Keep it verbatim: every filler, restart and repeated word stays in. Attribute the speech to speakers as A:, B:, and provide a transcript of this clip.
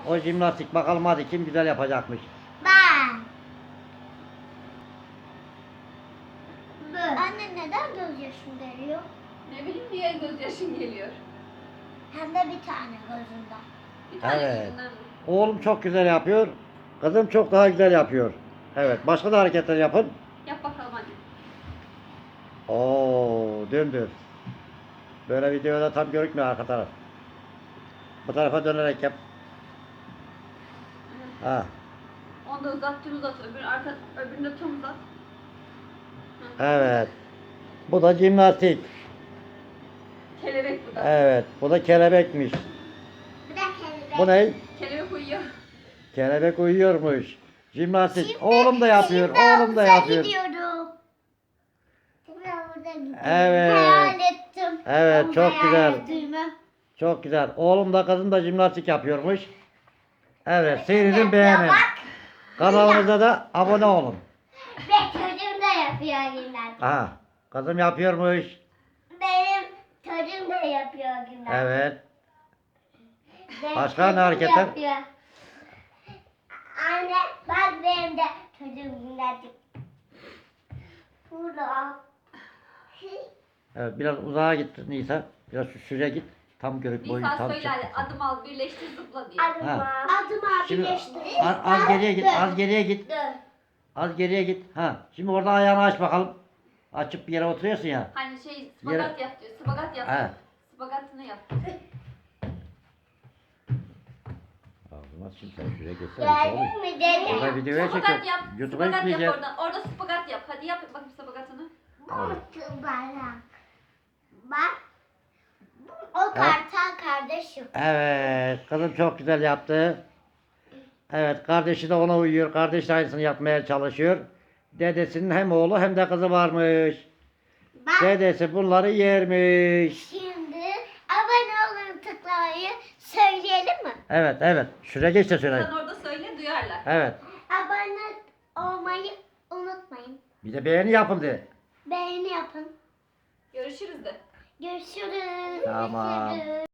A: O jimnastik bakalım hadi kim güzel yapacakmış.
B: Ben. Anne neden gözyaşın geliyor?
C: Ne bileyim niye gözyaşın geliyor.
B: Hem de bir tane gözünden.
C: Bir tane
A: Evet.
C: gözünden mi?
A: Oğlum çok güzel yapıyor. Kızım çok daha güzel yapıyor. Evet başka da hareketler yapın.
C: Yap bakalım hadi.
A: Oo döndür. Böyle videoda tam görükmüyor arka taraf. Bu tarafa dönerek yap. Ha.
C: Onu da uzat, tüm uzat. Öbür arka, öbürünü de tüm uzat. Hı.
A: Evet. Bu da jimnastik.
C: Kelebek bu da.
A: Evet. Bu da kelebekmiş.
B: Bir de kelebek.
A: Bu ne?
C: Kelebek uyuyor.
A: Kelebek uyuyormuş. Jimnastik.
B: Şimdi-
A: Oğlum da yapıyor.
B: şimdi
A: Oğlum da
B: havuza
A: yapıyor.
B: gidiyorum. Şimdi havuza gidiyorum.
A: Evet.
B: Hayal ettim.
A: Evet,
B: Ama
A: çok
B: hayal
A: güzel.
B: ettiğimi.
A: Çok güzel. Oğlum da kızım da jimnastik yapıyormuş. Evet. Seyredin
B: Ya
A: beğenin.
B: bak.
A: Kanalımıza da abone olun.
B: Ve çocuğum da yapıyor gimnastik.
A: Aha. Kızım yapıyormuş.
B: Benim çocuğum da yapıyor gimnastik.
A: Evet.
B: Benim
A: Başka ne
B: çocuğum
A: hareketler?
B: yapıyor. Anne bak benim de çocuğum gimnastik. Burada.
A: Evet. Biraz uzağa git Nisa. Biraz şu şuraya git. Tam görük boyu
C: Nisa
A: tam
C: söyle
A: çık.
C: hadi. Adım al, birleştir, zıpla diye.
B: Adıma.
A: Ha.
B: Adıma
A: Şimdi
B: birleştir.
A: az, az geriye git. Az geriye git.
B: Dur.
A: Az geriye git. Ha. Şimdi orada ayağını aç bakalım. Açıp bir yere oturuyorsun ya.
C: Hani şey spagat yap diyor. Spagat yap.
A: He.
C: Spagatını yap.
A: Ağzına şimdi sen şuraya geçsene. Nisa oğlum.
B: Gördün mü dede?
A: Burada videoya
C: Spagat yap.
A: çekiyorum. YouTube'a
C: Spagat yap
A: yükleyeceğim.
C: oradan. Orada spagat yap. Hadi yap bakayım spagatını.
B: Bu barak. Bak. O kartal kardeşim.
A: Evet. Kızım çok güzel yaptı. Evet. Kardeşi de ona uyuyor. Kardeş de aynısını yapmaya çalışıyor. Dedesinin hem oğlu hem de kızı varmış.
B: Bak
A: Dedesi bunları yermiş.
B: şimdi abone olun tıklamayı söyleyelim mi?
A: Evet evet. Şuraya geç de söyle.
C: Sen orada söyle duyarlar.
A: Evet.
B: Abone olmayı unutmayın.
A: Bir de beğeni yapın de.
B: Beğeni yapın.
C: Görüşürüz de.
B: Görüşürüz.
A: Tamam.
B: Görüşürüz.